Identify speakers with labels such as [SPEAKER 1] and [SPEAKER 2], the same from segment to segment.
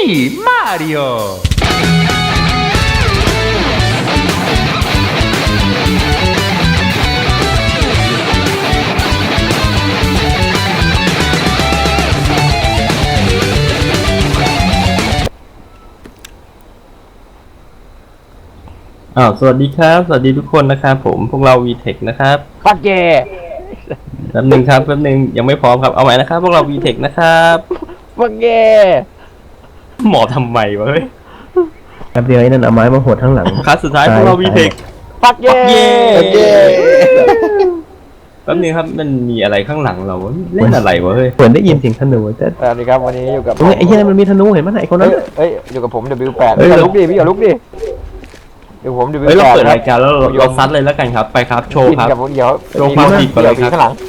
[SPEAKER 1] Mario สวัสดีครับสวัสดีทุกคนนะครับผมพวกเรา VTech นะครับ
[SPEAKER 2] ปักเย่
[SPEAKER 1] แป๊บนึงยังไม่พร้อมครับเอาใหม่นะครับพวกเรา VTech นะครับ
[SPEAKER 2] ปักเย่
[SPEAKER 1] หมอทำไมวะเฮ้ย
[SPEAKER 3] แป๊บเดียวไอ้นั่นเอาไม้มาหดทั้งหลัง
[SPEAKER 1] คลาสสุดท้ายพวกเรา VTech
[SPEAKER 2] ปักเย่
[SPEAKER 1] แป๊บนึงครับมันมีอะไรข้างหลังเราเล่นอะไรวะเฮ้ย
[SPEAKER 3] เหมือนได้ยินเสียงธนูแต่
[SPEAKER 2] สวัสดีครับวันนี้อยู่กับ
[SPEAKER 3] ไอ้เหี้ยมันมีธนูเห็นมั้ยไอ้คนนั้น
[SPEAKER 2] อยู่กับผม W8 พี่ลุกดิพี่อย่าลุกดิเดี๋ยวผม W8
[SPEAKER 1] เราเปิดรายการแล้วเราซัดเลยแล้วกันครับไปครับโชว์ครับ
[SPEAKER 2] เดี๋ยว
[SPEAKER 1] โชว์ความผิดก่อนเลยครับ
[SPEAKER 2] ข้างหลัง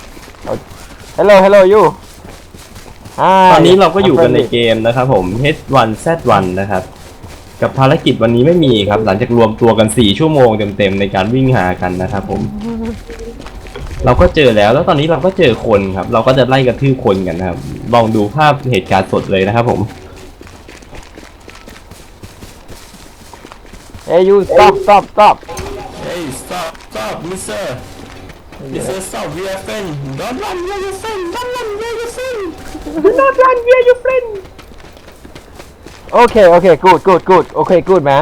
[SPEAKER 2] Hello you
[SPEAKER 1] ตอนนี้เราก็อยู่กันในเกมนะครับผม H1Z1 นะครับกับภารกิจวันนี้ไม่มีครับหลังจากรวมตัวกัน4ชั่วโมงเต็มๆในการวิ่งหากันนะครับผมเราก็เจอแล้วตอนนี้เราก็เจอคนครับเราก็จะไล่กระทืบคนกันนะครับลองดูภาพเหตุการณ์สดเลยนะครับผม
[SPEAKER 2] Hey you stop
[SPEAKER 1] Hey stop mister stop we are friend don't run we are your friend don't run we are your friend do not run we are your friend
[SPEAKER 2] Okay good Okay good man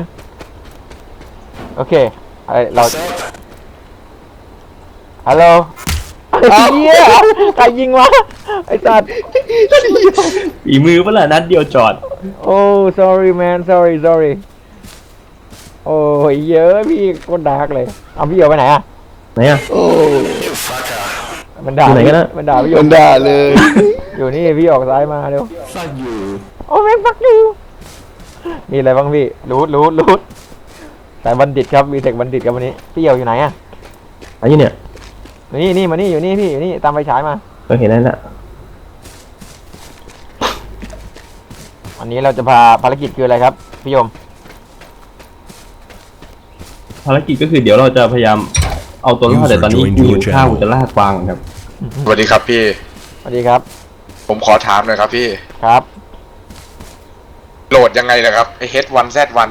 [SPEAKER 2] Okay เราฮัลโหลเฮียใครยิงวะไอ้สัตว์
[SPEAKER 1] ฝีมือเปล่านัดเดียวจอด
[SPEAKER 2] โอ้ sorry man sorry โอ้ยเยอะพี่โคตรดาร์กเลยเอาพี่เอาไปไหนอะ
[SPEAKER 3] ไหนอะ
[SPEAKER 2] โอ้มันด่า
[SPEAKER 3] ไหนกันนะ
[SPEAKER 2] มันด่าพี่
[SPEAKER 4] มันด่าเลย
[SPEAKER 2] อยู่นี่พี่ออกซ้ายมาเร็ว
[SPEAKER 1] ฟักอยู่
[SPEAKER 2] โอ้แม่งฟักอยู่มีอะไรบ้างพี่รูดสายบัณฑิตครับมีเทคบัณฑิตครับวันนี้พี่เหี่ยวอยู่ไหนอะ
[SPEAKER 3] อะไรเนี่ย
[SPEAKER 2] นี่มานี่อยู่นี่พี่อยู่นี่ตามไฟฉายมา
[SPEAKER 3] เห็นแล้วน่ะ
[SPEAKER 2] วันนี้เราจะพาภารกิจคืออะไรครับพี่ยม
[SPEAKER 1] ภารกิจก็คือเดี๋ยวเราจะพยายามเอาตัวรอดแต่ตอนนี้กูอยู่ข้าวกูจะล่ากวางครับ
[SPEAKER 4] สวัสดีครับพี่
[SPEAKER 2] สวัสดีครับ
[SPEAKER 4] ผมขอถามหน่อยครับพี่
[SPEAKER 2] ครับ
[SPEAKER 4] โหลดยังไงนะครับไอ H1Z1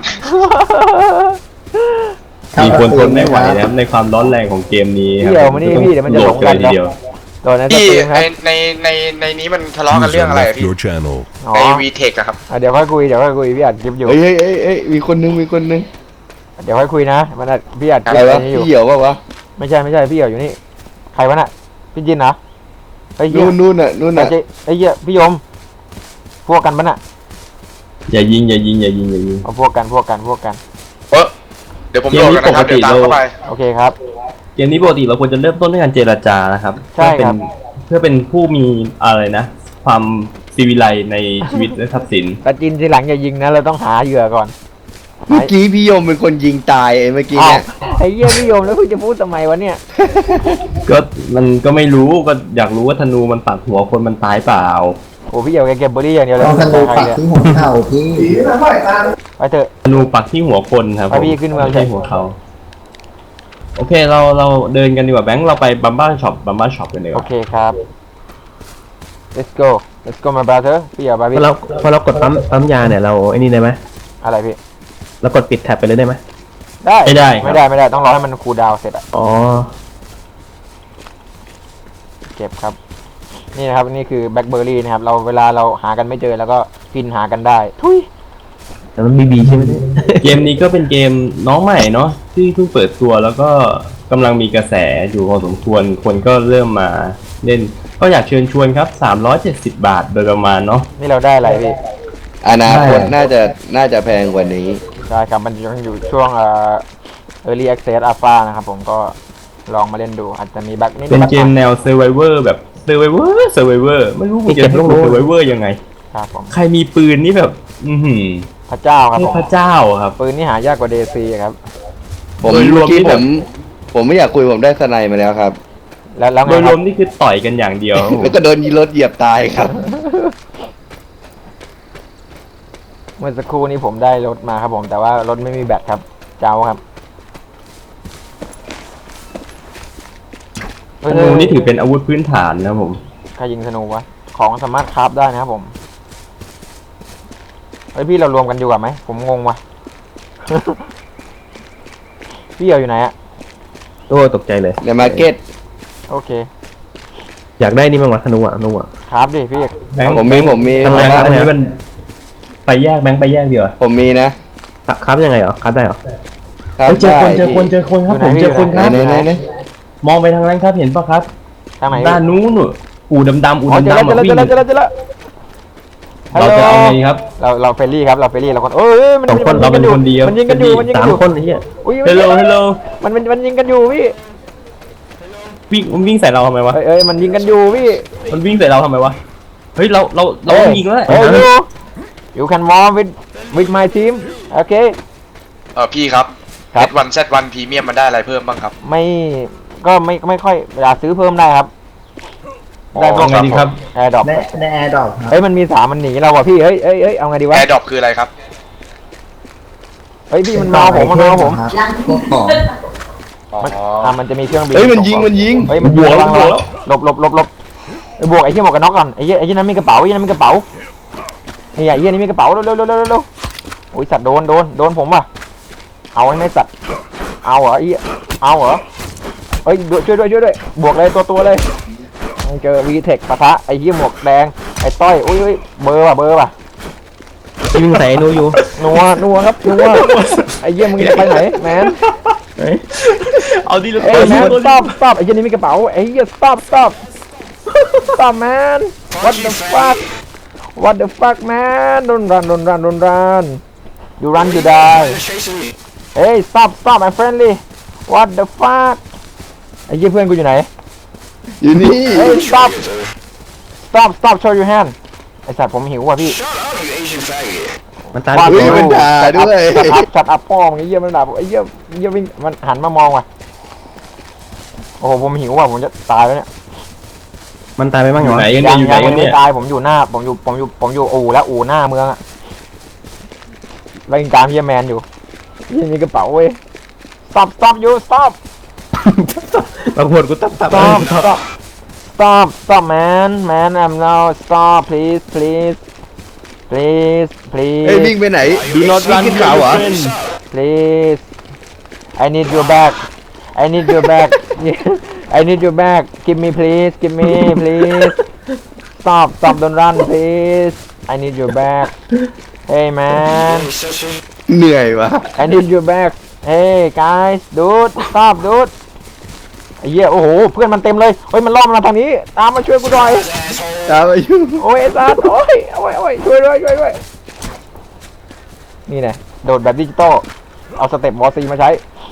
[SPEAKER 1] มีคนทนไม่ไหวนะครับในความร้อนแรงของเกมนี้ครับ
[SPEAKER 2] เดี๋ยวมานี่พี่เดี๋ยวมันจะหลงกัน
[SPEAKER 1] เดียว
[SPEAKER 2] ตอนนั้น
[SPEAKER 4] พี่ในนี้มันทะเลาะกันเรื่องอะไรพี่ใน VTech ครับ
[SPEAKER 2] เดี๋ยวค่อยคุยพี่อัดคลิปอยู่
[SPEAKER 4] เฮ้ยมีคนนึง
[SPEAKER 2] เดี๋ยวค่อยคุยนะมันพี่อัดคลิป
[SPEAKER 4] อยู่พี่เหี่ยวป่ะวะ
[SPEAKER 2] ไม่ใช่พี่เหี่ยวอยู่นี่ใครวะน่ะพี่จินเหรอ
[SPEAKER 4] ไอ้นู่นน่ะ
[SPEAKER 2] ไอ้เหี้ยพี่ยมพวกกันปะน่ะ
[SPEAKER 1] อย่ายิง
[SPEAKER 2] เอาพวกกัน
[SPEAKER 4] เดี๋ยวผมโหลดกันนะครับเดี๋ยวตามเข้าไป
[SPEAKER 2] โอเคครับ
[SPEAKER 1] เกมนี้ปกติเราควรจะเริ่มต้นด้วยการเจรจานะครับ
[SPEAKER 2] ใช่ครับ
[SPEAKER 1] เพื่อเป็นผู้มีอะไรนะความศิวิไลในชีวิตและทรัพย์สิน
[SPEAKER 2] แต่จินทีหลังอย่ายิงนะเราต้องหาเหยื่อก่อน
[SPEAKER 4] เมื่อกี้พี่ยมเป็นคนยิงตายเมื่อกี้เนี่ย
[SPEAKER 2] ไอ้เหี้ยพี่ยมแล้วคุณจะพูดทำไมวะเนี่ย
[SPEAKER 1] ก็มันก็ไม่รู้ก็อยากรู้ว่าธนูมันปักหัวคนมันตายเปล่า
[SPEAKER 2] โอ้พี่เหี่ยวแกเก็บเบอร์รี่อย่างเดียวเลย
[SPEAKER 3] ธนูปักที่หัวเข่าพี่
[SPEAKER 2] ไปเถอะ
[SPEAKER 1] ธนูปักที่หัวคนครับ
[SPEAKER 2] ไปพี่ขึ้นเมือง
[SPEAKER 1] ใช่หัวเขาโอเคเราเดินกันดีกว่าแบงค์เราไปบัมบ้าช็อปกันดีกว่า
[SPEAKER 2] โอเคครับ let's go my brother พี่อย่าไปพี่
[SPEAKER 3] พอเรากดปั๊มยาเนี่ยเราไอ้นี่ได้ไหม
[SPEAKER 2] อะไรพี่
[SPEAKER 3] เรากดปิดแท็บไปเลยได้ไหม
[SPEAKER 2] ได้ไม่ได้ต้องรอให้มันคูลดาวน์เสร็จอ่ะ
[SPEAKER 3] อ๋อ
[SPEAKER 2] เก็บครับนี่นะครับนี่คือแบล็คเบอร์รี่นะครับเวลาเราหากันไม่เจอแล้วก็พินหากันได้ทุย
[SPEAKER 3] แต่มันบีใช่ไหม
[SPEAKER 1] เกมนี้ก็เป็นเกมน้องใหม่เนาะที่เพิ่งเปิดตัวแล้วก็กำลังมีกระแสอยู่พอสมควรคนก็เริ่มมาเล่นก็อยากเชิญชวนครับ370 บาทโดยประมาณเนาะ
[SPEAKER 2] นี่เราได้อะไรพี่
[SPEAKER 4] อนาคตน่าจะแพงกว่านี้
[SPEAKER 2] ใช่ครับมันยังอยู่ช่วงearly access alpha นะครับผมก็ลองมาเล่นดูอาจจะมีบั๊กนิด
[SPEAKER 1] เป็นเกมแนว survivor แบบ survivor ไม่รู้มันจะเป็น survivor ยังไง
[SPEAKER 2] ครับผม
[SPEAKER 1] ใครมีปืนนี่แบบ
[SPEAKER 2] พระเจ้าครับ
[SPEAKER 1] พระเจ้าครับ
[SPEAKER 2] ปืนนี่หายากกว่าเดซีครับ
[SPEAKER 4] ผมเมื่อกี้ผมไม่อยากคุยผมได้สไนมาแล้วครับ
[SPEAKER 2] แล้ว
[SPEAKER 1] โดยรวมนี่คือต่อยกันอย่างเดียว
[SPEAKER 4] แล้วก็โดนรถเหยียบตายครับ
[SPEAKER 2] เมื่อสักครู่นี้ผมได้รถมาครับผมแต่ว่ารถไม่มีแบตครับเจ้าครับ
[SPEAKER 1] ธนูนี่ถือเป็นอาวุธพื้นฐานนะผม
[SPEAKER 2] ใครยิงธนูวะของสามารถคราฟได้นะครับผมเฮ้ยพี่เรารวมกันอยู่กับไหมผมงงว่ะ พี่เอี่ยวอยู่ไหนอะ
[SPEAKER 3] โอ้ตกใจเลย
[SPEAKER 5] ในมาร์เก็ต
[SPEAKER 2] โอเค
[SPEAKER 3] อยากได้นี่มั้งวะธนูอ่ะธนูอ่ะ
[SPEAKER 2] ครับดิพี่
[SPEAKER 1] แบงค์
[SPEAKER 5] ผมมี
[SPEAKER 3] ทำไม
[SPEAKER 1] แบงค์
[SPEAKER 3] ครับ
[SPEAKER 1] อันนี้มันไปแยกแบงค์ไปแยกดีกว่า
[SPEAKER 5] ผมมีนะ
[SPEAKER 3] ครับยังไงเหรอครับได้เหรอ
[SPEAKER 5] ครั
[SPEAKER 1] เฮ้ยเจอคน
[SPEAKER 5] ได้
[SPEAKER 1] เจอคนเจอคนครับผมเจอคนครับ
[SPEAKER 5] ไหน
[SPEAKER 1] มองไปทางนั้นครับเห็นปะครับ
[SPEAKER 2] ทางไหน
[SPEAKER 1] ด้านนู้นน่ะอู่ดำๆอู่
[SPEAKER 2] อ๋อเจอ
[SPEAKER 1] ดำ
[SPEAKER 2] แล้ว
[SPEAKER 1] ๆ
[SPEAKER 2] เจอ
[SPEAKER 1] มา
[SPEAKER 2] แล้ว
[SPEAKER 1] วิ่ง
[SPEAKER 2] เจอแล้วเจอแล้วฮัล
[SPEAKER 1] เรา
[SPEAKER 2] โหล
[SPEAKER 1] จะเอาไงครับ
[SPEAKER 2] เราเฟรนลี่ครับเราเฟรนลี่เราคนเอ้ยมัน
[SPEAKER 3] สองคน
[SPEAKER 1] เราเป็นคนเดียว
[SPEAKER 2] มันยิงกันอยู่มันยิง
[SPEAKER 3] สา
[SPEAKER 2] กัน
[SPEAKER 3] ม
[SPEAKER 2] อยู่
[SPEAKER 3] คนไอ้เหี้ย
[SPEAKER 2] อุ้ย
[SPEAKER 1] ฮัลโหลฮัลโหล
[SPEAKER 2] มันยิงกันอยู่พี่
[SPEAKER 1] วิ่งใส่เราทำไมวะ
[SPEAKER 2] เอ้ยมันยิงกันอยู่พี่
[SPEAKER 1] มันวิ่งใส่เราทำไมวะเฮ้ยเรายิงแล้ว
[SPEAKER 2] เอ้ยyou can warm with my team โอเค
[SPEAKER 4] พี่ครับ
[SPEAKER 2] ครับ
[SPEAKER 4] H1Z1 พรีเมียมมันได้อะไรเพิ่มบ้างครับ
[SPEAKER 2] ไม่ค่อยอยากซื้อเพิ่มได้ครับ ได้พว
[SPEAKER 1] เอา
[SPEAKER 2] ก
[SPEAKER 1] ไงดีครับ
[SPEAKER 2] แอร์ดรอป
[SPEAKER 3] ในแอร์ดรอปครับ
[SPEAKER 2] เฮ้ยมันมี3มันหนีเราว่ะพี่เฮ้ยเอาไงดีวะ
[SPEAKER 4] AirDrop คืออะไรครับ
[SPEAKER 2] เฮ้ยพี่มันมาเอาผมมันมาเอาผม
[SPEAKER 3] พวกของ
[SPEAKER 4] อ๋อ
[SPEAKER 2] มันจะมีเครื่องบิน
[SPEAKER 5] เฮ้ยมันยิง
[SPEAKER 2] เฮ้ยมันยิงระวังหลบไอ้บวกไอ้เหี้ยหมวกกันน็อกก่อนไอ้เหี้ยนั้นมีกระเป๋าไอ้เหี้ยนั้นมีกระเป๋านี่ไอ้เหี้ยนี่มีกระเป๋าเร็วโอ้ยสัตว์โดนผมว่ะเอาไอ้ไม่สัตว์เอาเหรอไอ้เหี้ยเอาเหรอเฮ้ยช่วยด้วยบวกเลยตัวเลยเจอวีเทคปะทะไอ้เหี้ยหมวกแดงไอ้ต้อยอุ้ยเบอร์ว่ะ
[SPEAKER 3] ยิงใส่นูอยู่
[SPEAKER 2] นัวครับนัวไอ้เหี้ยมึงจะไปไหนแมน
[SPEAKER 1] เอาดิ
[SPEAKER 2] เอ้ยแมน stop ไอ้เหี้ยนี่มีกระเป๋าไอ้เหี้ย stop man what the fuck man don't run you run you die เฮ้ย stop my friendly what the fuck ไอ้เหี้ยเพื่อนกูอยู่ไหน
[SPEAKER 5] อยู่นี่
[SPEAKER 2] เฮ้ย stop show your hand ไอ้สัตว์ผมหิวว่ะพี่
[SPEAKER 3] มันตาย
[SPEAKER 5] เฮ้ยมันด่าด้วย
[SPEAKER 2] ชัดอัพพ่อมึงไอ้เหี้ยมันด่าผมไอ้เหี้ยวิ่งมันหันมามองว่ะโอ้โหผมหิวว่ะผมจะตายแล้วเนี่ย
[SPEAKER 3] มันตายไปบ้าง
[SPEAKER 1] อ
[SPEAKER 3] เหร
[SPEAKER 1] ยู่
[SPEAKER 3] อ
[SPEAKER 1] ไหนกันเนี่ยอยู่ไหน
[SPEAKER 2] ยั
[SPEAKER 1] กัน
[SPEAKER 2] ไม่
[SPEAKER 1] เนี่ย
[SPEAKER 2] ตายผมอยู่หน้าผมอยู่อู่แล้วอู่หน้าเมืองอะแล้วยิงตามเฮียแมนอยู่ยังมีกระเป๋าเว้ย stop you stop
[SPEAKER 3] บางคนกูตับ
[SPEAKER 2] stop man I'm now stop please
[SPEAKER 5] เฮ้ยวิ่งไปไหน
[SPEAKER 1] Do not
[SPEAKER 5] วิ่ง
[SPEAKER 1] run
[SPEAKER 5] ขึ้นเขาเหรอ
[SPEAKER 2] please I need your bag I need your bag give me please stop don't run please I need your bag hey man
[SPEAKER 5] เหนื่อยวะ
[SPEAKER 2] I need your bag hey guys dude stop dude ไอ้เหี้ยโอ้โหเพื่อนมันเต็มเลยเฮ้ยมันล่อมมาทางนี้ตามมาช่วยกูหน่อย
[SPEAKER 5] ตามอายุ
[SPEAKER 2] โอ้ยไอ้สัสโอ้ยช่วยด้วยนี่ไงโดดแบบดิจิตอลเอาสเต็ปวอซีมาใช้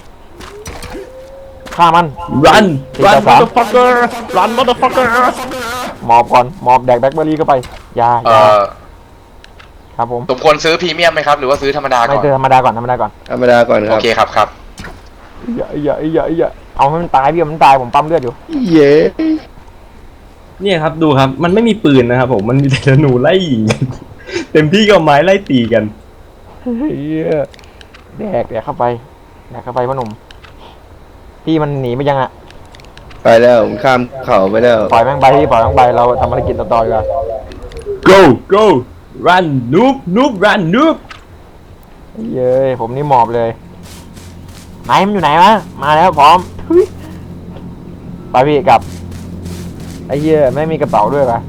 [SPEAKER 2] ฆ่ามัน
[SPEAKER 1] run
[SPEAKER 2] สี่
[SPEAKER 1] run
[SPEAKER 2] ต่อสาม
[SPEAKER 1] motherfucker run motherfucker
[SPEAKER 2] หมอบก่อนหมอบแดกแบล็คเบอร์รี่เข้าไปยาครับผม
[SPEAKER 4] สมควรซื้อพรีเมียมไหมครับ หรือว่าซื้อธรรมดา
[SPEAKER 2] ไม่
[SPEAKER 4] ก่อน
[SPEAKER 2] เจอธรรมดาก่อน
[SPEAKER 5] ธรรมดาก่อนค
[SPEAKER 4] โอ
[SPEAKER 5] รับ
[SPEAKER 4] เคครับ
[SPEAKER 2] อย่าเอาให้มันตายพี่มันตายผมปั๊มเลือดอยู่
[SPEAKER 5] เย้
[SPEAKER 1] เนี่ยครับดูครับมันไม่มีปืนนะครับผมมันมีแต่ธนูไล่ยิงกันเต็มที่ก็เอาไม้ไล่ตีกัน
[SPEAKER 2] เฮียแดกเข้าไปพ่อหนุ่มพี่มันหนีไปยังอ่ะ
[SPEAKER 5] ไปแล้วผมข้ามเขาไปแล้ว
[SPEAKER 2] ปล่อยแม่งไปพี่ปล่อยแม่งไปเราทำภารกิจต่อดีกว่า
[SPEAKER 1] go run noob run noob
[SPEAKER 2] เย้ยผมนี่หมอบเลยไหนมันอยู่ไหนวะมาแล้วพร้อมทุยไปพี่กลับไอ้เหี้ยไม่มีกระเป๋าด้วยปะ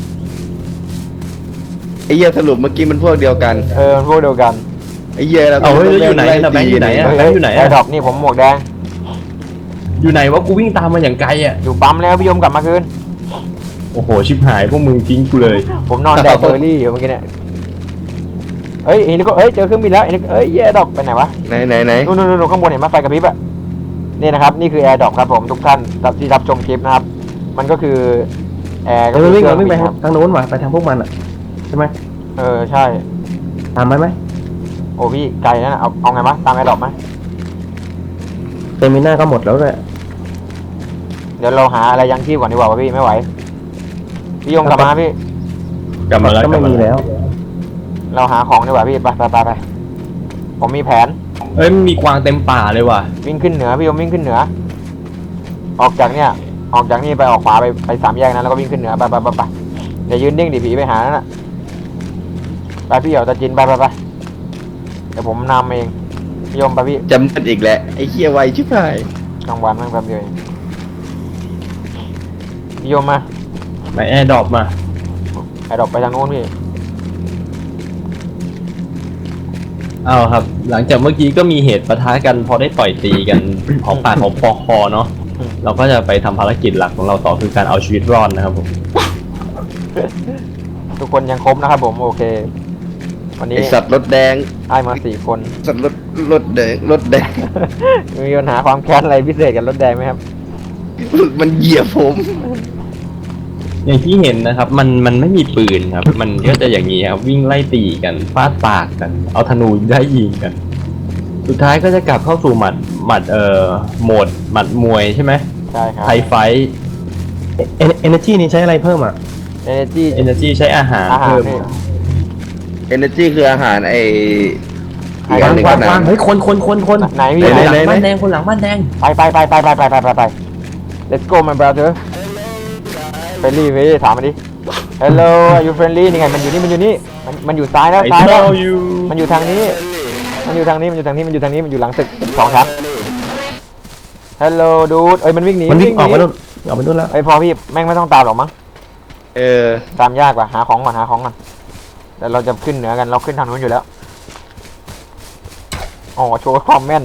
[SPEAKER 5] ไอ้เหี้ยสรุปเมื่อกี้มันพวกเดียวกัน
[SPEAKER 2] มันพวกเดียวกัน
[SPEAKER 5] ไอ้เหี้ยเรา
[SPEAKER 1] เอาเฮ้ยแล้วอยู่ไหนล่ะแบงค์อยู่ไหนอะ แบงค์อยู่ไหนอะ
[SPEAKER 2] ไอ้ดอกนี่ผมหมวกแดง
[SPEAKER 1] อยู่ไหนวะกูวิ่งตามมาอย่างไกลอ่ะ
[SPEAKER 2] อยู่ปั๊มแล้วพี่ยมกลับมาคืน
[SPEAKER 1] โอ้โหชิบหายพวกมึงทิ้งกูเลย
[SPEAKER 2] ผมนอนแดกเบอร์รี่อยู่เมื่อกี้เนี่ยเฮ้ยเจอเครื่องบินแล้วแย่ดอกไปไหนวะ
[SPEAKER 5] ไหน
[SPEAKER 2] นู่นข้างบนเห็นไหมไฟกระพริบอะนี่นะครับนี่คือแอร์ดรอปครับผมทุกท่านที่รับชมคลิปนะครับมันก็คือแอร์ก็
[SPEAKER 3] เอ
[SPEAKER 2] คือ อ
[SPEAKER 3] วิ่ง
[SPEAKER 2] เครื่อง
[SPEAKER 3] ไป
[SPEAKER 2] บินครับ
[SPEAKER 3] ทางโน้นว่ะไปทางพวกมันอ่ะใช่ไหม
[SPEAKER 2] ใช่
[SPEAKER 3] ตามไหม
[SPEAKER 2] โอ้พี่ไกลนั่นนะเอาไงมะตามแอร์ดรอปไหม
[SPEAKER 3] เตมิน่าก็หมดแล้วเลย
[SPEAKER 2] เดี๋ยวเราหาอะไรยังชีพก่อนดีกว่าวะพี่ไม่ไหวพี่ยงกลับมาพี่
[SPEAKER 1] กลับมาแล้ว
[SPEAKER 3] ก็ไม่มีแล้ว
[SPEAKER 2] เราหาของดีกว่าพี่ไปผมมีแผน
[SPEAKER 1] เอ้ยมีกวางเต็มป่าเลยว่ะ
[SPEAKER 2] วิ่งขึ้นเหนือพี่ยมวิ่งขึ้นเหนือออกจากนี่ไปออกขวาไปสามแยกนั้นแล้วก็วิ่งขึ้นเหนือไปอย่ายืนนิ่งดิผีไปหานั่นน่ะไปพี่เหี่ยวตาจินไปเดี๋ยวผมนำเองพี่ยมไปพี่
[SPEAKER 5] จำมันอีกแหละไอ้เฮียไวชิบหาย
[SPEAKER 2] กลางวันแม่งแป๊บเดียวเองพี่ยมมา
[SPEAKER 1] ไปแอร์ดรอปมา
[SPEAKER 2] ไอ้ดอกไปทางโน้นพี่
[SPEAKER 1] เอาครับ หลังจากเมื่อกี้ก็มีเหตุปะทะกันพอได้ต่อยตีกัน หอมปากหอมคอเนาะเราก็จะไปทำภารกิจหลักของเราต่อคือการเอาชีวิตรอดนะครับผม
[SPEAKER 2] ทุกคนยังครบนะครับผมโอเค วันนี้
[SPEAKER 5] ไอสัตว์รถแดง
[SPEAKER 2] ไอ้มา4 คน
[SPEAKER 5] สัตว์รถแดงรถแดง
[SPEAKER 2] มีปัญหาความแค้นอะไรพิเศษกับรถแดงไหมครับ
[SPEAKER 5] มันเหยียบผม
[SPEAKER 1] อย่างที่เห็นนะครับ มันไม่มีปืนครับ มันก็จะอย่างนี้ครับวิ่งไล่ตีกันฟาดปากกัน เอาธนูได้ยิงกัน สุดท้ายก็จะกลับเข้าสู่หมัดโหมดหมัดมวยใช่ไหม
[SPEAKER 2] ใช่ครับ
[SPEAKER 1] ไทยไฟท์
[SPEAKER 3] เอเนจีนี่ใช้อะไรเพิ่มอ่ะ
[SPEAKER 2] Energy
[SPEAKER 1] เอเนจีใช้อาหาร
[SPEAKER 2] อาหาร
[SPEAKER 1] เพิ่ม
[SPEAKER 2] นี่
[SPEAKER 5] energy คืออาหารไออีกอันหนึ่ง
[SPEAKER 3] วา
[SPEAKER 5] ก็
[SPEAKER 3] ง
[SPEAKER 5] น้ำ
[SPEAKER 3] เฮ้ยคน
[SPEAKER 2] ไหนพี่
[SPEAKER 3] คนหลัง
[SPEAKER 5] ไหน
[SPEAKER 3] บ้านแดงคนหลังบ้านแดง
[SPEAKER 2] ไป let's go my brother เฟรนลี่พี่ถามมาดิ hello are you friendly นี่ไงมันอยู่นี่มันอยู่ซ้ายแล้ว
[SPEAKER 1] ไอ้
[SPEAKER 2] ซ้ายแล้ว
[SPEAKER 1] เจ้าอยู่
[SPEAKER 2] มันอยู่ทางนี้ มันอยู่หลังตึก2 ชั้น hello dude เอ้ยมันวิ่งหนี
[SPEAKER 3] มันวิ่งออกมานู่นออกไปนู่นแล้ว
[SPEAKER 2] เอ้ยพอพี่แม่งไม่ต้องตามหรอกมั้ง
[SPEAKER 5] เออ
[SPEAKER 2] ตามยากกว่าหาของก่อนแต่เราจะขึ้นเหนือกันเราขึ้นทางนู้นอยู่แล้วอ๋อโชว์ความแม่น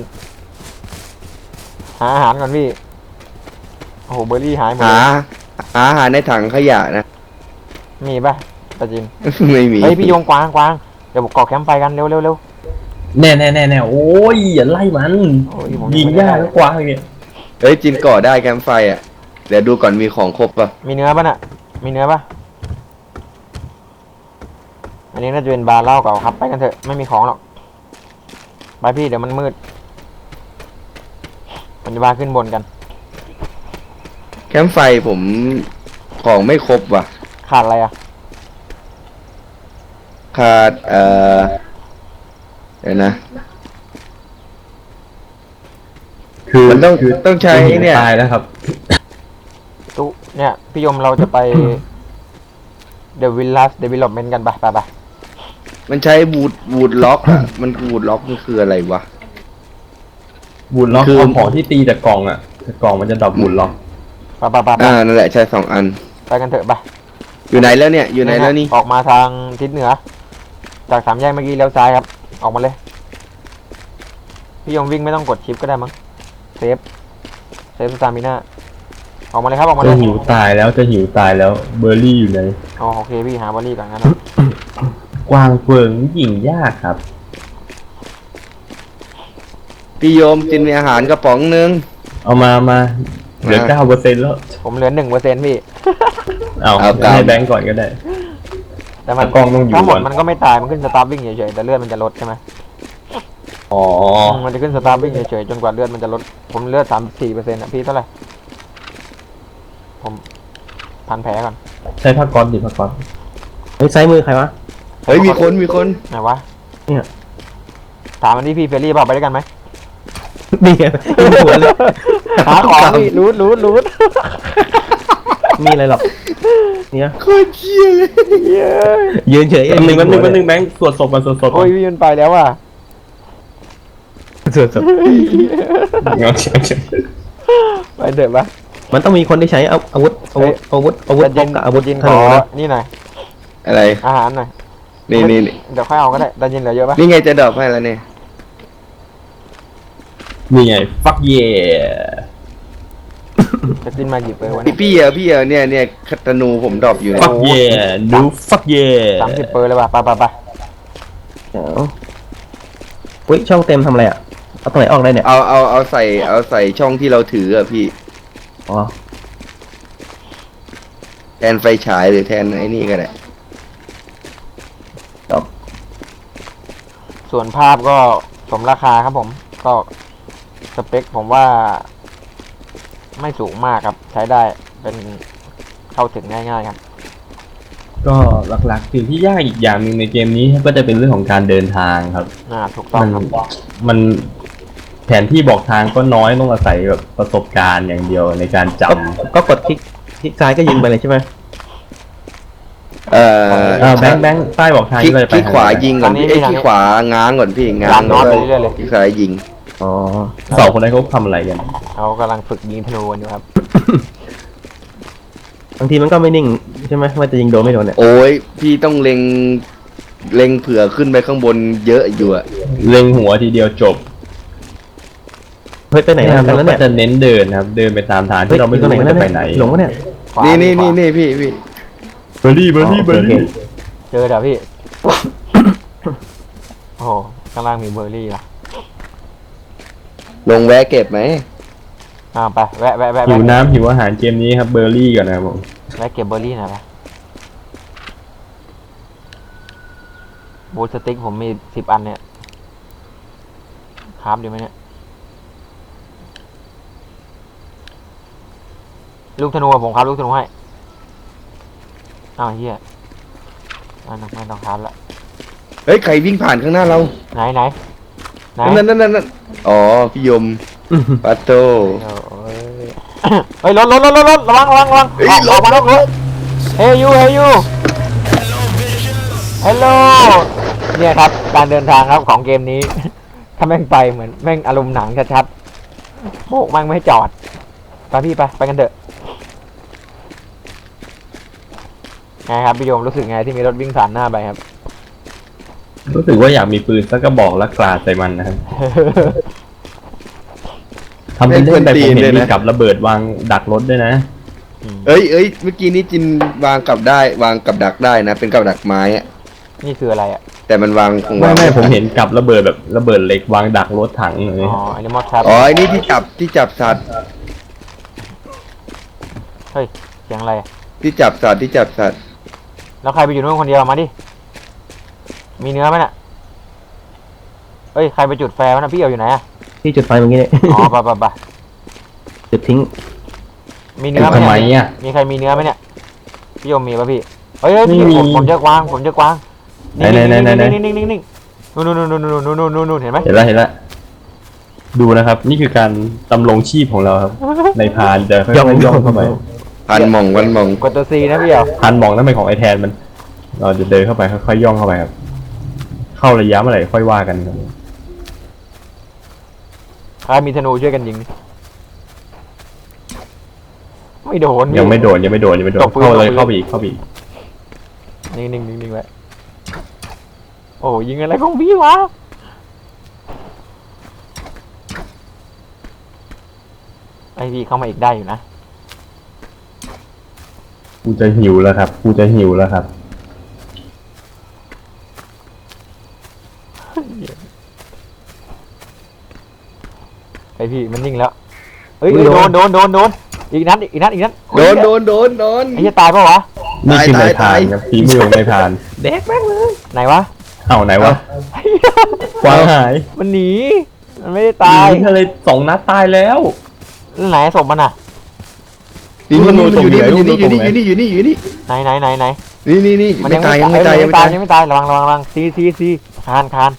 [SPEAKER 2] หาอาหารก่อนพี่โอ้โหเบอร์รี่หายหมด
[SPEAKER 5] หา
[SPEAKER 2] เลย
[SPEAKER 5] อาหารในถังขยะนะ
[SPEAKER 2] มีป่ะตาจิน
[SPEAKER 5] ไม่มี
[SPEAKER 2] เฮ้ยพี่โยงกวางเดี๋ยวผมก่อแคมป์ไฟกันเร็ว
[SPEAKER 1] แน่โอ้ยอย่าไล่มัน
[SPEAKER 2] โอ้ยผม
[SPEAKER 1] ยิง
[SPEAKER 2] ไม่ได้
[SPEAKER 1] ยากก็กว้างอย่างเงี้ย
[SPEAKER 5] เฮ้ยจินก่อได้แคมป์ไฟอ่ะเดี๋ยวดูก่อนมีของครบป่ะ
[SPEAKER 2] มีเนื้อป่ะน่ะมีเนื้อป่ะอันนี้น่าจะเป็นบาร์เหล้าเก่าครับไปกันเถอะไม่มีของหรอกไปพี่เดี๋ยวมันมืดผมจะพาขึ้นบนกัน
[SPEAKER 5] แคมป์ไฟผมของไม่ครบว่ะ
[SPEAKER 2] ขาดอะไรอ่ะ
[SPEAKER 5] ขาดเดี๋ยวนะ
[SPEAKER 1] คือ
[SPEAKER 5] มันต้องใช้เนี่ย
[SPEAKER 1] ตายแล้วครับ
[SPEAKER 2] ตุ๊เนี่ยพี่ยมเราจะไป The Villas Development กันไป
[SPEAKER 5] มันใช้วูดล็อกอ่ะมันวูดล็อกมันคืออะไรวะ
[SPEAKER 1] บูลล็อก
[SPEAKER 5] คือ
[SPEAKER 1] เอาของที่ตีจากกล่องอ่ะจากกล่องมันจะดรอปบูลล็อก
[SPEAKER 2] ไป
[SPEAKER 5] นั่นแหละใช้2 อัน
[SPEAKER 2] ไปกันเถอะไป
[SPEAKER 5] อยู่ไหนแล้วเนี่ยอยู่ไหนแล้วนี่
[SPEAKER 2] ออกมาทางทิศเหนือ จาก3 แยกเมื่อกี้เลี้ยวซ้ายครับ ออกมาเลย พี่ยงวิ่งไม่ต้องกดชิปก็ได้มั้งเซฟสตามิน่าออกมาเลยครับออกมาเล
[SPEAKER 1] จะ
[SPEAKER 2] ย
[SPEAKER 1] หิวตายแล้วเบอร์รี่อยู่ไหน
[SPEAKER 2] อ๋อโอเคพี่หาบอลลี่ก่อนงั้น
[SPEAKER 1] กวางเฟิงยิงยากครับ
[SPEAKER 5] พี่โยมกินมีอาหารกระป๋องนึง
[SPEAKER 1] เอามาเหลือ 9%แล้ว
[SPEAKER 2] ผมเหลือ1%พี่
[SPEAKER 1] เอา
[SPEAKER 5] เอากลับ
[SPEAKER 1] ให้แบงก์ก่อนก็ได้
[SPEAKER 2] แต่มัน
[SPEAKER 1] กล้องต้องอยู่
[SPEAKER 2] ทั้งหมด
[SPEAKER 1] ก่อน
[SPEAKER 2] มันก็ไม่ตายมันขึ้นสตาร์วิ่งเฉยๆแต่เลือดมันจะลดใช่ไหม
[SPEAKER 1] อ๋อ
[SPEAKER 2] มันจะขึ้นสตาร์วิ่งเฉยๆจนกว่าเลือดมันจะลดผมเลือด34%นะพี่เท่าไหร่ผมพันแผลก่อน
[SPEAKER 1] ใช้ผ้าก๊อซดิผ้าก๊อซ
[SPEAKER 3] เฮ้ยซ้ายมือใครวะ
[SPEAKER 5] เฮ้ยมีคน
[SPEAKER 2] ไหนวะ
[SPEAKER 3] เนี่ย
[SPEAKER 2] ถามมันที่พี่เฟรรี่เปล่าไปด้วยกันไหม
[SPEAKER 3] นี่ไงยิงหัวเลย
[SPEAKER 2] หาของพี่รูด
[SPEAKER 3] มีอะไรหรอกเนี่ย
[SPEAKER 5] โคตรเชี่ยเลย
[SPEAKER 2] เย้ย
[SPEAKER 3] ยืนเฉย
[SPEAKER 1] แป๊บนึงแบงก์สวดศพมันสวดศพ
[SPEAKER 2] โอ้ยพี่มันไปแล้วอ่ะ
[SPEAKER 3] สวด
[SPEAKER 2] ไปเถอะปะ
[SPEAKER 3] มันต้องมีคนที่ใช้อาวุธบล็อกกับอาวุธ
[SPEAKER 2] ยิน
[SPEAKER 3] ธ
[SPEAKER 2] ขอ
[SPEAKER 3] นูนะ
[SPEAKER 2] นี่หน่อย
[SPEAKER 5] อะไร
[SPEAKER 2] อาหารหน่อย
[SPEAKER 5] นี่
[SPEAKER 2] เดี๋ยวค่อยเอาก็ได้ดันยินเหลือเยอะปะ
[SPEAKER 5] นี่ไงจะดรอปให้แล้วเนี่ย
[SPEAKER 1] นี่ไง fuck yeah
[SPEAKER 2] จะกินมากี่เปอร์วัน
[SPEAKER 5] พี่เหรอเนี่ยคัตนูผมดรอปอยู่เนี่ย
[SPEAKER 1] fuck yeah ดู fuck yeah
[SPEAKER 2] 30 เปอร์เลยป่ะไป
[SPEAKER 3] เดี๋ยวอุ้ยช่องเต็มทำอะไรอ่ะเอาตรงไหนออกได้เนี่ย
[SPEAKER 5] เอาใส่ช่องที่เราถืออะพี่
[SPEAKER 3] อ๋อ
[SPEAKER 5] แทนไฟฉายหรือแทนไอ้นี่ก็ได้
[SPEAKER 3] จบ
[SPEAKER 2] ส่วนภาพก็สมราคาครับผม ก็สเปคผมว่า ไม่สูงมากครับ ใช้ได้เป็นเข้าถึงง่ายๆครับ
[SPEAKER 1] ก็หลักๆสิ่งที่ยากอีกอย่างหนึ่งในเกมนี้ก็จะเป็นเรื่องของการเดินทางครับ
[SPEAKER 2] ถูกต้องครับ
[SPEAKER 1] มันแผนที่บอกทางก็น้อยต้องอาศัยแบบประสบการณ์อย่างเดียวในการจำ
[SPEAKER 3] ก็กดคลิกซ้ายก็ยิงไปเลยใช่ไหม
[SPEAKER 1] แบงค์ป้ายบอกทาง
[SPEAKER 5] คลิก
[SPEAKER 1] เลยไป
[SPEAKER 5] คลิกขวายิงก่อนพี่
[SPEAKER 2] ทางนี้
[SPEAKER 5] คลิกขวาง้างก่อนพี่ง้าง
[SPEAKER 2] ง้าง
[SPEAKER 5] แล้ว
[SPEAKER 2] ไปเรื่อยๆเลย
[SPEAKER 5] คลิกซ้ายยิง
[SPEAKER 3] อ๋อ
[SPEAKER 1] สองคนนั้นเขาทำอะไรกัน
[SPEAKER 2] เขากำลังฝึกยิงธนูกันอยู่ครับ
[SPEAKER 3] บางทีมันก็ไม่นิ่งใช่ไหมว่าจะยิงโดนไม่โดนเนี่ย
[SPEAKER 5] โอ้ยพี่ต้องเล็งเผื่อขึ้นไปข้างบนเยอะอยู่อะ
[SPEAKER 1] เล็งหัวทีเดียวจบ
[SPEAKER 3] เฮ้ยไปไหน
[SPEAKER 1] เรา
[SPEAKER 3] กันแล้ว
[SPEAKER 1] ก็
[SPEAKER 3] เนี่ย
[SPEAKER 1] จะเน้นเดินนะครับ เดินไปตามทางที่เราไม่รู้ว่าจะไปไหน
[SPEAKER 3] หลงวะเนี่ย
[SPEAKER 2] ขวา
[SPEAKER 5] นี่
[SPEAKER 2] ขวา
[SPEAKER 5] พี่
[SPEAKER 1] เบอร์รี่เบอร์รี่
[SPEAKER 3] อ๋อ
[SPEAKER 1] เบอร์รี่
[SPEAKER 3] โอเค
[SPEAKER 2] เจอเดี๋ยวพี่ โอ้โหข้างล่างมีเบอร์รี่นะ
[SPEAKER 5] ลงแวะเก็บไหม
[SPEAKER 2] ไปแวะ
[SPEAKER 1] หิวน้ำหิวอาหารเกมนี้ครับเบอร์รี่ก่อนนะครับผม
[SPEAKER 2] แวะเก็บเบอร์รี่หน่อยไปบูสติ๊กผมมี10 อันเนี่ยคราฟดีไหมเนี่ยลูกธนูอะผมครับลูกธนูให้อ้าวเฮียไม่ต้องคราฟละ
[SPEAKER 5] เฮ้ยใครวิ่งผ่านข้างหน้าเรา
[SPEAKER 2] ไหน
[SPEAKER 5] นั่นอ๋อพี่ยมปัตโต
[SPEAKER 2] เฮ้ยรถระวัง
[SPEAKER 5] เฮ้ย
[SPEAKER 2] ออกมารถเฮ้ยยูฮัลโหลเนี่ยครับการเดินทางครับของเกมนี้ ถ้าแม่งไปเหมือนแม่งอารมณ์หนังชัดๆโบกแม่งไม่ให้จอดไปพี่ไปกันเถอะไงครับพี่โยมรู้สึกไงที่มีรถวิ่งผ่านหน้าไปครับ
[SPEAKER 1] รู้สึกว่าอยากมีปืนสักกระบอกและกราดใส่มันนะครับทำเป็นเล่นไปผมเห็นมีกับระเบิดวางดักรถด้วยนะ
[SPEAKER 5] เอ้ยเมื่อกี้นี้จินวางกับดักได้นะ เป็นกับดักไม้อะ
[SPEAKER 2] นี่คืออะไรอ่ะ
[SPEAKER 5] แต่มันวางคงวาง
[SPEAKER 1] ไม่ผมเห็นกับระเบิดแบบระเบิดเหล็กวางดักรถถังเลย
[SPEAKER 2] อ๋ออันนี้มอสครับ
[SPEAKER 5] อ๋อไอ้นี่ที่จับสัตว์
[SPEAKER 2] เฮ้ยเสียงอะไร
[SPEAKER 5] ที่จับสัตว์
[SPEAKER 2] แล้วใครไปอยู่นู่นคนเดียวมาดิมีเนื้อไหมน่ะเฮ้ยใครไปจุดแฟร์วะน่ะพี่เอาอยู่ไหนอ่ะ
[SPEAKER 3] ที่จุดไฟเมื่อกี้เนี่ย
[SPEAKER 2] อ๋อไป
[SPEAKER 3] จุดทิ้ง
[SPEAKER 2] มีเนื้อไหม
[SPEAKER 1] ทำไม
[SPEAKER 2] เนี่ย
[SPEAKER 1] อ่ะ
[SPEAKER 2] มีใครมีเนื้อไหมเนี่ยพี่โยมมีป่ะพี่เฮ้ยพี่
[SPEAKER 1] ไม่มี
[SPEAKER 2] ผมเจอกวาง
[SPEAKER 1] ไหน
[SPEAKER 2] นิ่งนู่นเห็นไหม
[SPEAKER 1] เห็นแล้วดูนะครับ นี่คือการดำรงชีพของเราครับ ในพานจะค่อยๆย่องเข้าไป
[SPEAKER 5] พันหม่อง
[SPEAKER 2] กดตัวซีนะพี่เอา
[SPEAKER 1] พานมองนั่นเป็นของไอแทนมัน เราจะเดินเข้าไปค่อยๆย่องเข้าไปครับ เข้าระยะเมื่อไหร่ค่อยว่ากันครับ
[SPEAKER 2] ใครมีธนูช่วยกันยิงไม่โดนพี่
[SPEAKER 1] ยังไม่โดน
[SPEAKER 2] ตบปืน
[SPEAKER 1] เข้าเลย
[SPEAKER 2] ตบปืน
[SPEAKER 1] เข้าไปอีก
[SPEAKER 2] นิ่งไว้โอ้ยิงอะไรของพี่วะไอพี่เข้ามาอีกได้อยู่นะ
[SPEAKER 1] กูจะหิวแล้วครับ
[SPEAKER 2] ไอพี่มันนิ่งแล้วเฮ้ยโดนอีกนัด
[SPEAKER 5] ๆโดน
[SPEAKER 2] ไอ้จะตายปะวะ
[SPEAKER 1] นี่คือในพา
[SPEAKER 5] ตาน ย
[SPEAKER 1] ครับฝีมือของในพาน
[SPEAKER 2] ไหนวะ
[SPEAKER 1] เอ้าไหนวะกวางหาย
[SPEAKER 2] มันหนีมันไม่ได้ตาย
[SPEAKER 1] ยิงเลย2 นัดตายแล้ว
[SPEAKER 2] แล้วไหนศพมันอ่ะ
[SPEAKER 5] นี่
[SPEAKER 1] ลูกธนู
[SPEAKER 5] อยู่นี่
[SPEAKER 1] ตรงไหน
[SPEAKER 5] อยู่นี่
[SPEAKER 1] ลูกธนูตรงไหน
[SPEAKER 5] อยู่นี่
[SPEAKER 2] ไหน
[SPEAKER 5] นี่
[SPEAKER 2] มัน
[SPEAKER 5] ไม่ตายยังไม่ตาย
[SPEAKER 2] ระวังซีคาน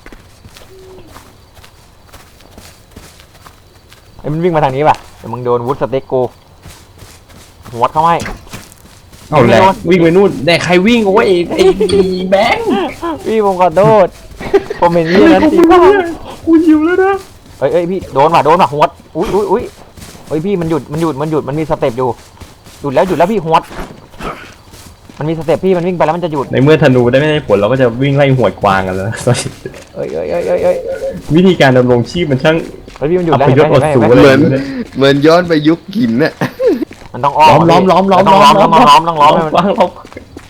[SPEAKER 2] ไอ้มันวิ่งมาทางนี้ป่ะเดี๋ยวมึงโดนวูดสเต็กกูหัวเข้าให้
[SPEAKER 1] เอาแหละวิ่งไปนู่นแต่ใครวิ่งโอ้ยไอ้แบงค์
[SPEAKER 2] พี่ผมขอโทษผมเห็นนี่นั้นสิบ้า
[SPEAKER 1] กูหิวแล้วนะ
[SPEAKER 2] เอ้ยพี่โดนว่ะหัวอุ้ยเฮ้ยพี่มันหยุดมันมีสเต็ปอยู่หยุดแล้วพี่หัวมันมีสเต็ปพี่มันวิ่งไปแล้วมันจะหยุด
[SPEAKER 1] ในเมื่อธนูได้ไม่ได้ผลเราก็จะวิ่งไล่หวดกวางกันแล้ว
[SPEAKER 2] เอ้ย
[SPEAKER 1] วิธีการดำรงชีพมันช่าง
[SPEAKER 2] เฮ้ยพี่มันหยุด
[SPEAKER 1] อั
[SPEAKER 2] แล้ว
[SPEAKER 1] พยศอดสูง
[SPEAKER 2] เห็นไหม
[SPEAKER 5] เหมือนย้อนไปยุคหินน่ะ
[SPEAKER 2] มันต้องอ้อม
[SPEAKER 1] ล้อม
[SPEAKER 2] ต้องล้อมให้มัน
[SPEAKER 1] กวางล้อม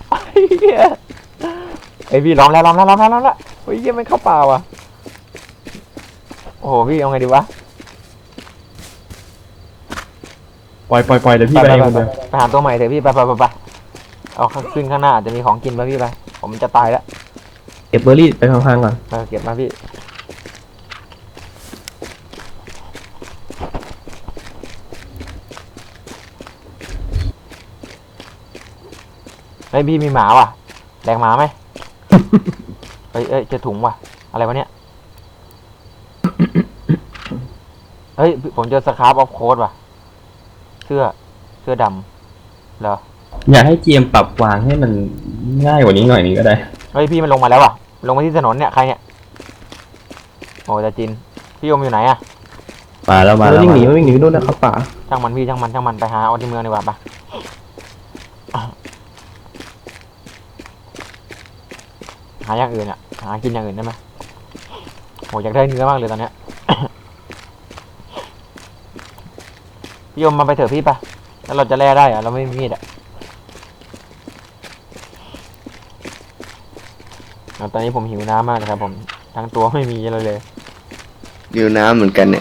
[SPEAKER 2] ไอยพี่ล้อมแล้วเฮ้ยยังไม่เข้าป่าว่ะโอ้โหพี่เอาไงดีวะ
[SPEAKER 1] ปล่อยเดี๋ยวพี่ไปเองคนเดียว
[SPEAKER 2] ไปหาตัวใหม่เถอะพี่ไปเอาขึ้นข้างหน้าอาจจะมีของกินป่ะพี่ไปผมจะตายแล้ว
[SPEAKER 3] เก็บเบอร์รี่ไปข้างๆก่อน
[SPEAKER 2] เก็บมาพี่เฮ้ยพี่มีหมาว่ะแดกหมาไหม เอ้ยเจอถุงว่ะอะไรวะเนี่ยเฮ้ยผมเจอสครับออฟโค้ดว่ะเสื้อดำเหรอ
[SPEAKER 1] อยากให้เกมปรับวางให้มันง่ายกว่านี้หน่อยนึงก็ได้
[SPEAKER 2] เฮ้ยพี่มันลงมาแล้วว่ะลงมาที่ถนนเนี่ยใครเนี่ยโอ้จะจินพี่โยมอยู่ไหนอะ
[SPEAKER 1] มาแล้วมา
[SPEAKER 3] มัน
[SPEAKER 1] แล้ว
[SPEAKER 3] วิ่งหนีมันวิ่งหนีไปนู่นนะเข้าป่า
[SPEAKER 2] ช่างมันพี่ช่างมันไปหาเอาที่เมืองดีกว่าปะหาอย่างอื่นอะหากินอย่างอื่นได้ไหมโหอยากได้เนื้อมากเลยตอนเนี้ย พี่โยมมาไปเถอะพี่ปะแล้วเราจะแล่ได้อะเราไม่มีมีดอะตอนนี้ผมหิวน้ำมากนะครับผมทั้งตัวไม่มีเลย
[SPEAKER 5] ดิวน้ำเหมือนกันเนี่ย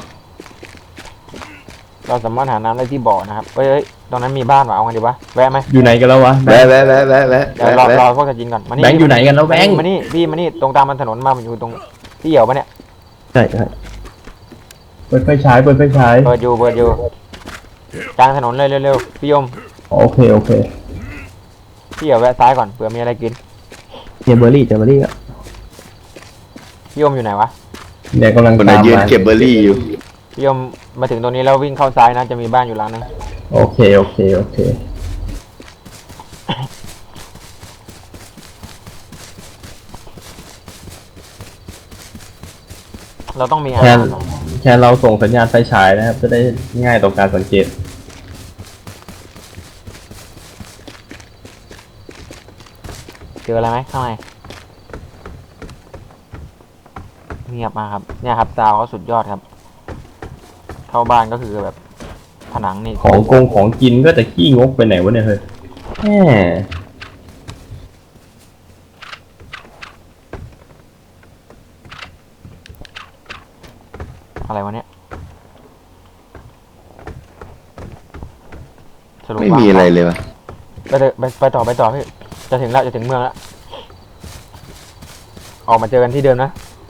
[SPEAKER 2] เราสามารถหาน้ำได้ที่บ่อนะครับเฮ้ยตรงนั้นมีบ้านว่ะเอาไงดีวะแวะไหม
[SPEAKER 1] อยู่ไหนกันแล้ววะ
[SPEAKER 5] แวะแวะแวะแวะแวะ
[SPEAKER 2] เดี๋ยวรอพวกจะจินก่อนมานี่
[SPEAKER 1] แบงค์อยู่ไหนกันแล้วแบงค์
[SPEAKER 2] มานี่พี่มานี่ตรงตามมันถนนมามันอยู่ตรงที่เหี่ยวปะเนี่ย
[SPEAKER 3] ใช่ใช่
[SPEAKER 1] เปิดไฟฉายเปิดไฟฉาย
[SPEAKER 2] เปิดอยู่กลางถนนเลยเร็วๆพี่ยม
[SPEAKER 1] โอเคโอเค
[SPEAKER 2] พี่เหี่ยวแวะซ้ายก่อนเผื่อมีอะไรกิน
[SPEAKER 3] เนี่ยเบอร์รี่เจอเบอร์รี่อ่ะ
[SPEAKER 2] พี่ยมอยู่ไหนวะ
[SPEAKER 1] เดี๋ยวกำลัง
[SPEAKER 5] คนไหน
[SPEAKER 1] ตาม
[SPEAKER 5] ยืน
[SPEAKER 1] มา
[SPEAKER 5] เก็บเบอร์รี่อยู่
[SPEAKER 2] พี่ยมมาถึงตรงนี้แล้ววิ่งเข้าซ้ายนะจะมีบ้านอยู่หลังนึง
[SPEAKER 1] โอเคโอเคโอเค
[SPEAKER 2] เราต้องมีอา
[SPEAKER 1] แค่
[SPEAKER 2] หาร
[SPEAKER 1] แค่เราส่งสัญญาณไฟฉายนะครับ จะได้ง่ายต่อการสังเกต
[SPEAKER 2] เจออะไรไหมข้างในเงียบมากครับเนี่ยครับซาวเขาสุดยอดครับ เข้าบ้านก็คือแบบผนังนี่
[SPEAKER 1] ของกินก็จะขี้งกไปไหนวะเนี่ยเฮ้ยแหม
[SPEAKER 2] อะไรวะเนี่ยสรุป
[SPEAKER 5] ไม่
[SPEAKER 2] ว่า
[SPEAKER 5] มีอะไรเลยวะ
[SPEAKER 2] ไปต่อพี่จะถึงแล้วจะถึงเมืองแล้วออกมาเจอกันที่เดิมนะ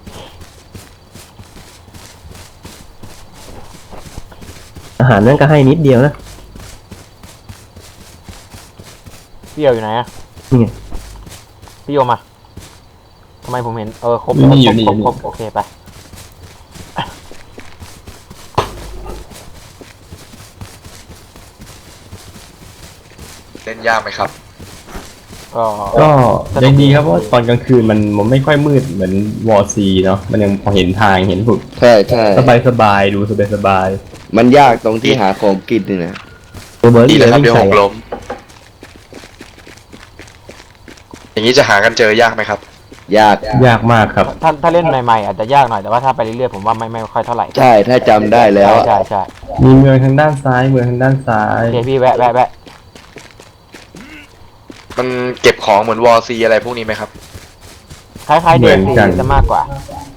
[SPEAKER 3] อาหารนั่นก็ให้นิดเดียวนะ
[SPEAKER 2] พี่เอียวอยู่ไหนอะ
[SPEAKER 3] นี่ไง
[SPEAKER 2] พี่โยมาทำไมผมเห็นครบ
[SPEAKER 1] อยู่นี่
[SPEAKER 2] ครบโอเคไป
[SPEAKER 4] เล่นยากไหมครับ
[SPEAKER 2] ก็
[SPEAKER 1] ก็ยังดีครับเพราะว่าตอนกลางคืนมันไม่ค่อยมืดเหมือนวอร์ซีเนาะมันยังพอเห็นทางเห็นผุด
[SPEAKER 5] ใช่ใช่
[SPEAKER 1] สบายดูสบาย
[SPEAKER 5] มันยากตรงที่หาของกินนี่นะ
[SPEAKER 3] ตัวเบอร์
[SPEAKER 4] ดี
[SPEAKER 3] รี่
[SPEAKER 4] แล้วครับ
[SPEAKER 3] วิ่ง
[SPEAKER 4] เดี๋ยวห
[SPEAKER 3] ใส่
[SPEAKER 4] กล้ม อย่างนี้จะหากันเจอยากไหมครับ
[SPEAKER 5] ยาก
[SPEAKER 1] ยากมากครับ
[SPEAKER 2] ถ้าเล่นใหม่ๆอาจจะยากหน่อยแต่ว่าถ้าไปเรื่อยๆผมว่าไม่ค่อยเท่าไหร่
[SPEAKER 5] ใช่ถ้าจำได้แล้วอะ
[SPEAKER 2] ใช่
[SPEAKER 1] มีเมืองทางด้านซ้ายเมืองทางด้านซ้าย
[SPEAKER 2] โอเคพี่แวะ
[SPEAKER 4] มันเก็บของเหมือนวอร์ซีอะไรพวกนี้ไหมครับ
[SPEAKER 2] คล้ายๆเดซีจะมากกว่า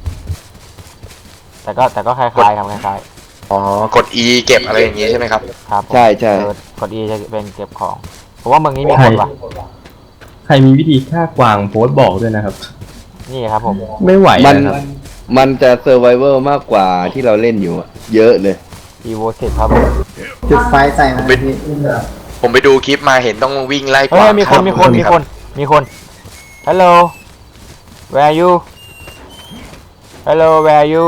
[SPEAKER 2] แต่ก็คล้ายๆครับคล้าย
[SPEAKER 4] อ๋อ กด E เก็บอะไรอย่างงี้ใช่ไหมครับ
[SPEAKER 2] ๆครับผม
[SPEAKER 5] ใช่ใช่
[SPEAKER 2] กด E จะเป็นเก็บของผมว่าเมืองนี้มีคนว่ะ
[SPEAKER 1] ใครมีวิธีฆ่ากวางโพสต์บอกด้วยนะครับ
[SPEAKER 2] นี่ครับผม
[SPEAKER 1] ไม่ไหว
[SPEAKER 5] มัน
[SPEAKER 1] นะครับ
[SPEAKER 5] มันจะเซอร์ไวเวอร์มากกว่าที่เราเล่นอยู่อะเยอะเลย
[SPEAKER 2] Evo 10ครับผม
[SPEAKER 6] จุดไฟใส่มัน
[SPEAKER 4] เป็น ผมไปดูคลิปมาเห็นต้องวิ่งไล่ก
[SPEAKER 2] เฮ้
[SPEAKER 4] วาง
[SPEAKER 2] ยมีคน Hello Where are you Hello Where are you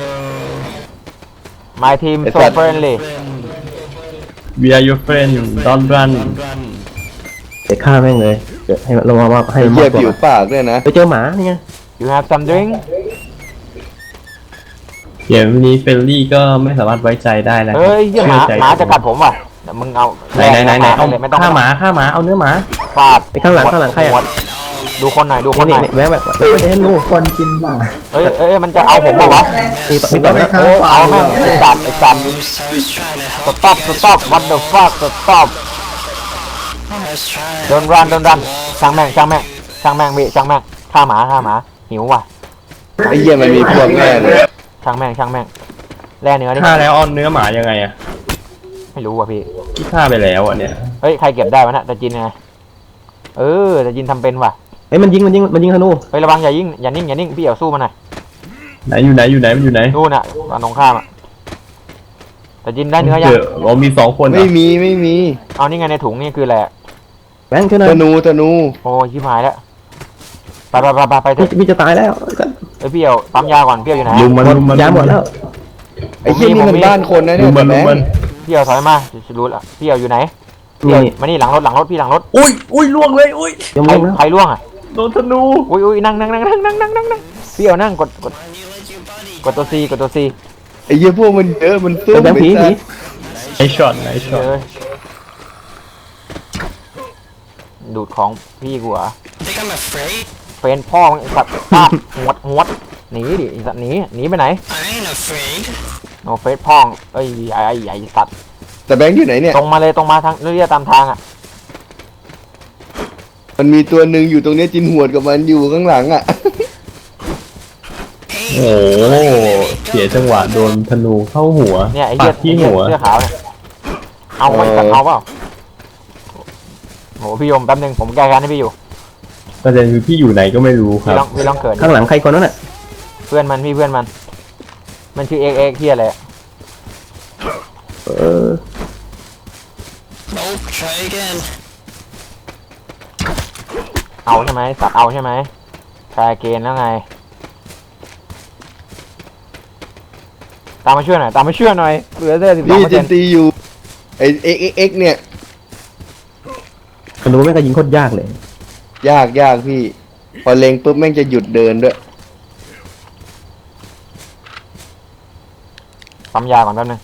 [SPEAKER 2] My team
[SPEAKER 5] ไอ้
[SPEAKER 2] so
[SPEAKER 5] สัตว์
[SPEAKER 2] friendly
[SPEAKER 1] We are your friend don't run
[SPEAKER 3] เดี๋ยวฆ่าแม่งเลยเดี๋ยวให้มันลงมาให้
[SPEAKER 5] ไอ้
[SPEAKER 3] มัน
[SPEAKER 5] เหี้
[SPEAKER 3] มาย กก
[SPEAKER 5] ผิว
[SPEAKER 3] ว่า
[SPEAKER 5] ปากด้วยนะ
[SPEAKER 3] ไปเจอหมานี่ไง
[SPEAKER 2] You have some drink
[SPEAKER 1] เดี๋ยววันนี้เฟลลี่ก็ไม่สามารถไว้ใจได้แล้ว
[SPEAKER 2] เฮ้ยเหี้ยหมา
[SPEAKER 1] เชื่อใจ
[SPEAKER 2] หมาจะกัดผมว่ะเดี๋ยวมึงเอา
[SPEAKER 1] ไหนเอา
[SPEAKER 2] เลยไม่ต้อง
[SPEAKER 1] ฆ่าหมาเอาเนื้อหมา
[SPEAKER 2] ฟาด
[SPEAKER 3] ไปข้างหลังใคร
[SPEAKER 2] หัว
[SPEAKER 3] อ่ะ
[SPEAKER 2] ดูคนหน่อยดูคนห
[SPEAKER 3] นี่
[SPEAKER 2] น่อย
[SPEAKER 3] แวะแบบไม่ได้ให้ลูก
[SPEAKER 6] คนกินหมา
[SPEAKER 2] เฮ้ยมันจะเอาผมเปล่าวะ
[SPEAKER 3] มีต่อไหม
[SPEAKER 2] เอาแม่งไอ้สัตว์stop what the fuck stop don't run ช่างแม่งพี่ช่างแม่งฆ่าหมาหิวว่ะ
[SPEAKER 5] ไอ้เหี้ยมันมีพวกแน่เลย
[SPEAKER 2] ช่างแม่งแล่เนื้อดิ
[SPEAKER 1] ฆ่าแล้วเอาเนื้อหมายังไงอะ
[SPEAKER 2] ไม่รู้ว่ะพี่
[SPEAKER 1] ที่ฆ่าไปแล้วอะเนี่ย
[SPEAKER 2] เฮ้ยใครเก็บได้วะน่ะตะจินไงตะจินทำเป็นว่ะ
[SPEAKER 3] เฮ้ยมันยิงธนู
[SPEAKER 2] เฮ้ยระวังอย่านิ่งพี่เอ๋สู้มันหน่อย
[SPEAKER 1] ไหนอยู่ไหนมันอยู่ไหน
[SPEAKER 2] นู่นน่ะฝั่งตรงข้ามอ่ะตะจินได้เนื้อยัง
[SPEAKER 1] เรามี2 คนเหรอ
[SPEAKER 5] ไม่มี
[SPEAKER 2] เอานี่ไงในถุงนี่คืออะไรอะ
[SPEAKER 3] แบงค์ช่วยหน่อย
[SPEAKER 5] ธนู
[SPEAKER 2] โอ้ยชิบหายแล้วไปเถอะ
[SPEAKER 3] พี่จะตายแล้ว
[SPEAKER 2] เฮ้ยพี่เอ๋ปั๊มยาก่อนพี่เอ๋อยู่ไหน
[SPEAKER 1] ลุมมัน
[SPEAKER 3] ยาหมดแล้ว
[SPEAKER 5] ไอ้เหี้ยนี่มันบ้านคนนะ
[SPEAKER 1] ลุ
[SPEAKER 5] เนี่ย
[SPEAKER 1] มมัน
[SPEAKER 5] แบงค์
[SPEAKER 2] พี่เอ๋ถอยมาจะรู้ละพี่เอ๋อยู่ไหน
[SPEAKER 3] นี่
[SPEAKER 2] มานี่หลังรถพี่หลังรถ
[SPEAKER 1] อุ้ยล่วงเลยอุ้ย
[SPEAKER 3] ยัง
[SPEAKER 2] ใคร
[SPEAKER 3] ไม่นะ
[SPEAKER 2] ใครล่วงอ่ะ
[SPEAKER 1] โดนธนู
[SPEAKER 2] อุ้ยนั่งพี่เอานั่งกดตัวซีกดตัวซี
[SPEAKER 5] ไอ้เหี้ยพวกมันเยอะมันซุ่ม
[SPEAKER 3] แบงค์ผี
[SPEAKER 5] ไอ้
[SPEAKER 3] ผี
[SPEAKER 5] สัส
[SPEAKER 1] ไอช็อตไอช็อต
[SPEAKER 2] ดูดของพี่กูเหรอเฟนพ่อมึงสัตว์ปาบหวดหนีดิสัตว์หนีไปไหนโนเฟสพ่องเอ้ยไอ้สัตว์
[SPEAKER 5] แต่แบงค์อยู่ไหนเนี่ย
[SPEAKER 2] ตรงมาเลยตรงมาทางเรื่อยๆตามทางอ่ะ
[SPEAKER 5] มันมีตัวหนึ่งอยู่ตรงเนี้ยจินหวดกับมันอยู่ข้างหลังอ่ะ
[SPEAKER 1] โอ้โหเสียจังหวะโดนธนูเข้าหัว
[SPEAKER 2] เนี่ยไอ้
[SPEAKER 1] ปั
[SPEAKER 2] เหี้ย
[SPEAKER 1] ดที่หัว
[SPEAKER 2] เสื้อขาวเนี่ยเอาไว้สัตว์เอาเปล่าโหพี่ยมแป๊บนึงผมแก้การให้พี่อยู่
[SPEAKER 1] ประเด็นคือพี่อยู่ไหนก็ไม่รู้ค
[SPEAKER 2] พี่
[SPEAKER 1] รับ
[SPEAKER 2] ลองเกิด
[SPEAKER 3] ข้างหลังใครคนนั้นน่ะ
[SPEAKER 2] เพื่อนมันมันชื่อเอ็กเฮียอะไร
[SPEAKER 3] เออ
[SPEAKER 2] เอาใช่ไหมสัตว์เอาใช่ไหมทรายเกนแล้วไงตามมาช่วยหน่อยเหลือแค่
[SPEAKER 5] นี่จิน
[SPEAKER 2] 12%
[SPEAKER 5] ตีอยู่ไอ้เอ็กเนี่ย
[SPEAKER 3] ธนูแม่งก็ยิงโคตรยากเลย
[SPEAKER 5] ยากพี่ พอเล็งปุ๊บแม่งจะหยุดเดินด้วย
[SPEAKER 2] ปั๊มยาก่อนแป๊บนึง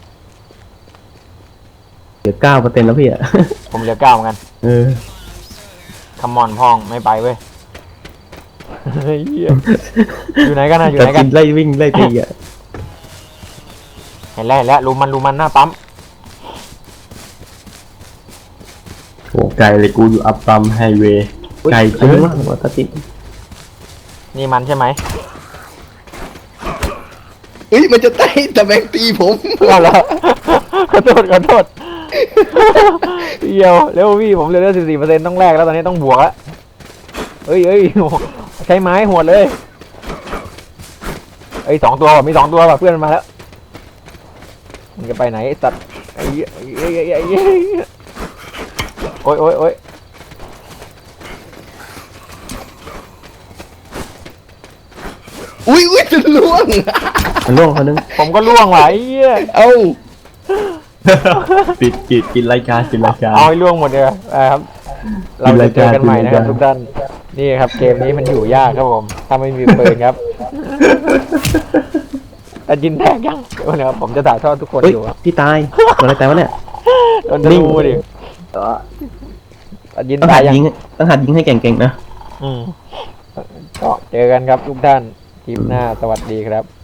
[SPEAKER 3] เหลือ9%แล้วพี่อ่ะ
[SPEAKER 2] ผมเหลือ9เหมือนกัน
[SPEAKER 3] เออ
[SPEAKER 2] คัมมอนพองไม่ไปเว้ยเฮ้ยอยู่ไหนกันนะอยู่
[SPEAKER 3] แต่
[SPEAKER 2] ไหนกั
[SPEAKER 3] กิ
[SPEAKER 2] น
[SPEAKER 3] นไล่วิ่งไล่ตีอ่ะ
[SPEAKER 2] เห็นแล้วรูมันหน้าปั๊ม
[SPEAKER 1] โอ้ไกลเลยกูอยู่อัพซัมไฮเวย์ไกล
[SPEAKER 3] ใคร
[SPEAKER 1] เกิ
[SPEAKER 3] ยิ
[SPEAKER 1] น
[SPEAKER 3] งวะหัวตาติด
[SPEAKER 2] นี่มันใช่ไหม
[SPEAKER 5] เอ้ยมันจะไต่แต่แบงค์ตีผม
[SPEAKER 2] เอาละขอโทษเดี๋ยวเร็วพี่ผมเหลือ14%ต้องแลกแล้วตอนนี้ต้องบวกแล้วเอ้ยใช้ไม้หวดเลยเอ้ย2 ตัวว่ะมี2 ตัวว่ะเพื่อนมันมาแล้วมึงจะไปไหนไอ้สัตว์ไอ้โอ้ย
[SPEAKER 5] อุ้ยจะล่วง
[SPEAKER 3] มันล่วงคนนึง
[SPEAKER 2] ผมก็ล่วงว่ะไอ้เหี้ย
[SPEAKER 5] เอ้า
[SPEAKER 1] ปิดกินรายการกินรายการ
[SPEAKER 2] เอาให้ล่วงหมดเลยครับเราจะเจอกันใหม่นะครับทุกท่านนี่ครับเกมนี้มันอยู่ยากครับผมถ้าไม่มีปืนครับแต่ยินแตกยังเดี๋ยวผมจะถ่ายทอดทุกคน
[SPEAKER 3] เฮ้ย
[SPEAKER 2] อยู่ครับ
[SPEAKER 3] พี่ตายโดนอะไรตายวะเนี่ย
[SPEAKER 2] โดนธนูดิยิน
[SPEAKER 3] ต้อง
[SPEAKER 2] ตา
[SPEAKER 3] หั
[SPEAKER 2] ย
[SPEAKER 3] ด
[SPEAKER 2] ยัง
[SPEAKER 3] ยิงต้องหัดยิงให้เก่งๆนะ
[SPEAKER 2] ก็เจอกันครับทุกท่านคลิปหน้าสวัสดีครับ